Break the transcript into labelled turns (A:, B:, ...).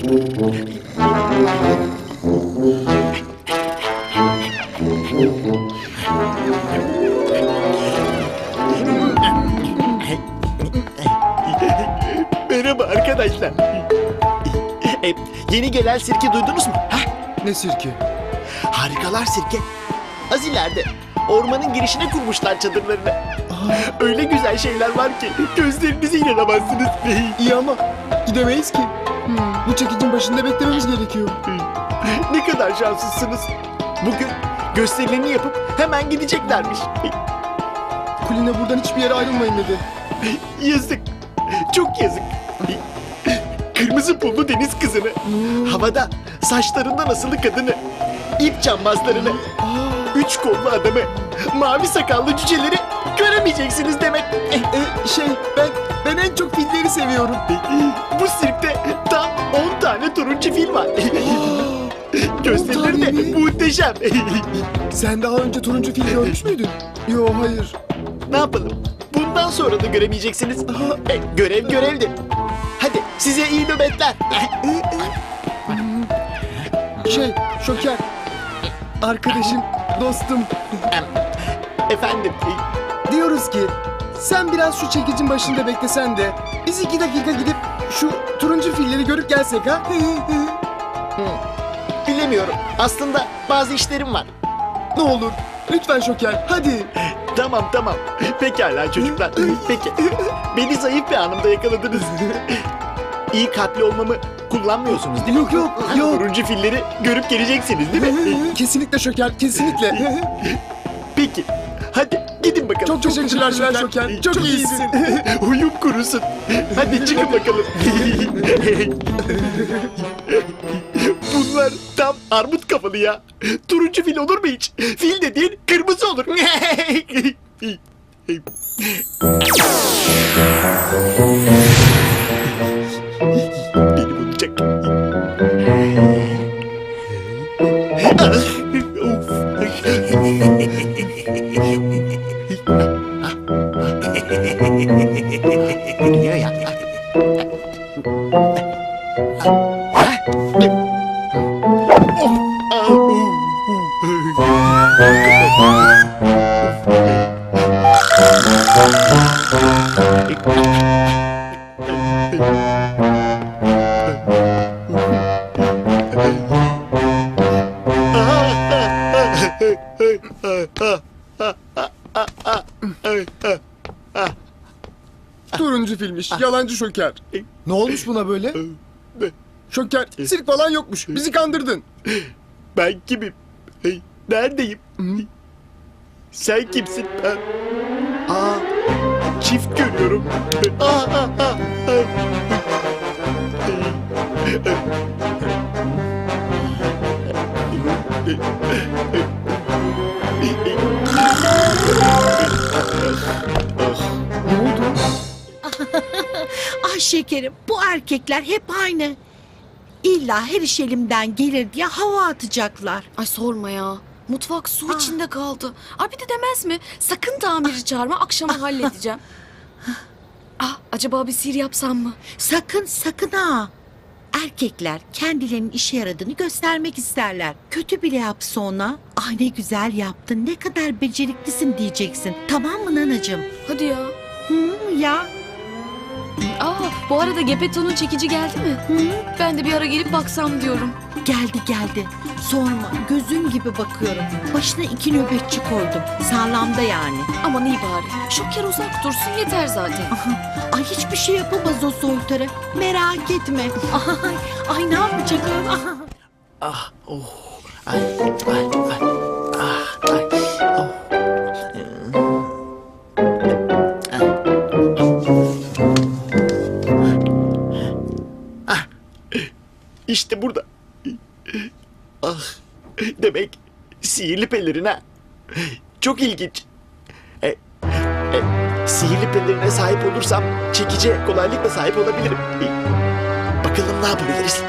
A: Merhaba arkadaşlar. Yeni gelen sirke duydunuz mu?
B: Ne sirki?
A: Harikalar Sirke. Az ileride ormanın girişine kurmuşlar çadırlarını. Öyle güzel şeyler var ki gözlerinize inanamazsınız.
B: İyi ama gidemeyiz ki. Bu çekicin başında beklememiz gerekiyor.
A: Ne kadar şanslısınız. Bugün gösterilerini yapıp hemen gideceklermiş.
B: Kulina buradan hiçbir yere ayrılmayın dedi.
A: Yazık. Çok yazık. Kırmızı pullu deniz kızını, havada saçlarından asılı kadını, ip cambazlarını, üç kollu adamı, mavi sakallı cüceleri göremeyeceksiniz demek.
B: Ben en çok filleri seviyorum.
A: Bu sirkte tam 10 tane turuncu fil var. Gösterileri
B: 10 tane
A: de
B: mi?
A: muhteşem.
B: Sen daha önce turuncu fil görmüş müydün? Yo, hayır.
A: Ne yapalım? Bundan sonra da göremeyeceksiniz. Görev görevdir. Hadi size iyi nöbetler.
B: Şoker. Arkadaşım, dostum.
A: Efendim,
B: Diyoruz ki sen biraz şu çekicin başında beklesen de biz 2 dakika gidip şu turuncu filleri görüp gelsek ha?
A: bilemiyorum. Aslında bazı işlerim var.
B: Ne olur. Lütfen Şoker, hadi.
A: Tamam. Pekala çocuklar. Peki. Beni zayıf bir anımda yakaladınız. İyi kalpli olmamı kullanmıyorsunuz değil mi?
B: Yok.
A: Turuncu filleri görüp geleceksiniz değil mi?
B: Kesinlikle Şoker, kesinlikle.
A: Peki. Hadi gidin bakalım.
B: Çok teşekkürler Şoker. Çok iyisin.
A: Uyum kurusun. Hadi çıkın bakalım. Bunlar tam armut kafalı ya. Turuncu fil olur mu hiç? Fil dediğin kırmızı olur. Beni bulacak. Gidiyor ya.
B: Turuncu filmiş, yalancı Şoker. Ne olmuş buna böyle? Şoker, sirk falan yokmuş. Bizi kandırdın.
A: Ben kimim? Neredeyim? Sen kimsin? Çift görüyorum.
B: Ne oldu?
C: Ah şekerim, bu erkekler hep aynı. İlla her iş elimden gelir diye hava atacaklar.
D: Ay sorma ya. Mutfak su içinde kaldı. Ay bir de demez mi? Sakın tamirci çağırma, akşama halledeceğim. Acaba bir sihir yapsam mı?
C: Sakın ha. Erkekler kendilerinin işe yaradığını göstermek isterler. Kötü bile yapsa ona, "Ay ne güzel yaptın, ne kadar beceriklisin" diyeceksin. Tamam mı nanacığım?
D: Hadi ya.
C: Ya.
D: Bu arada Gepetto'nun çekici geldi mi? Ben de bir ara gelip baksam diyorum.
C: Geldi. Sorma, gözüm gibi bakıyorum. Başına 2 nöbetçi koydum. Sağlamda yani.
D: Aman iyi bari. Şoker uzak dursun yeter zaten.
C: Ay hiçbir şey yapamaz o soytarı. Merak etme. Ay ne yapacak?
A: İşte burada. Demek sihirli pelerin ha. Çok ilginç. Sihirli pelerine sahip olursam çekice kolaylıkla sahip olabilirim. Bakalım ne yapabiliriz?